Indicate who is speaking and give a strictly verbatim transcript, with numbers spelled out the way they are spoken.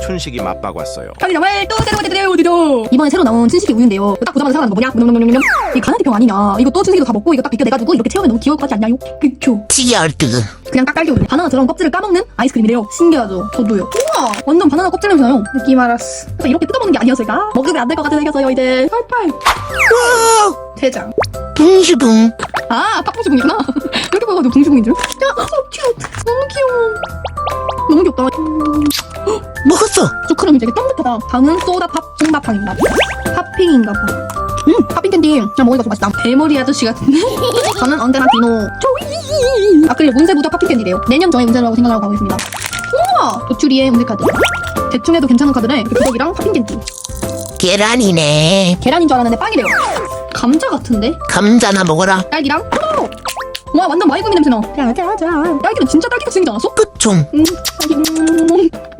Speaker 1: 춘식이 맛봐왔어요.
Speaker 2: 편의점을 또 새로 오디도 오디도 이번에 새로 나온 춘식이 우유인데요. 딱 보자마자 생각나는 거 뭐냐? 놈놈놈놈놈. 이 가나티평 아니냐? 이것도 춘식이도 다 먹고 이거 딱 비껴내가지고 이렇게 채우면 너무 귀여울 것 같지 않나요? 그쵸?
Speaker 3: 치열드.
Speaker 2: 그냥 딱 딸기 우유. 바나나 들어간 껍질을 까먹는 아이스크림이래요. 신기하죠? 저도요. 우와! 완전 바나나 껍질 냄새 나요. 느낌 알았어. 그래서 이렇게 뜯어먹는 게 아니었을까? 먹으면 안 될 것 같아 생겼어요 이제. 팔팔. 대장.
Speaker 3: 붕슈붕.
Speaker 2: 아, 팥붕수궁이구나. 이렇게 보여가지고 붕수궁인 줄. 야, so cute. 너무 귀여워. 너무 귀엽다.
Speaker 3: 먹었어.
Speaker 2: 초크림이 되게 쫀득하다. 다음은 소다팝 콩다팡입니다. 팥핑인가봐. 음, 팥핑 캔디. 그냥 먹으니까 좀 맛있다. 대머리 아저씨 같은데? 저는 언제나 디노. 조이! 아크릴 운세 부적 팥핑 캔디래요. 내년 저의 운세라고 생각하고 가고 있습니다. 우와! 도추리의 운세 카드. 대충 해도 괜찮은 카드래. 부적이랑 팥핑 캔디.
Speaker 3: 계란이네.
Speaker 2: 계란인 줄 알았는데 빵이래요. 감자 같은데?
Speaker 3: 감자나 먹어라.
Speaker 2: 딸기랑 포도! 와, 완전 마이구미 냄새나. 짜자자. 딸기는 진짜 딸기같이 생기지 않았어?
Speaker 3: 끝총.
Speaker 2: 음, 딸기. 음.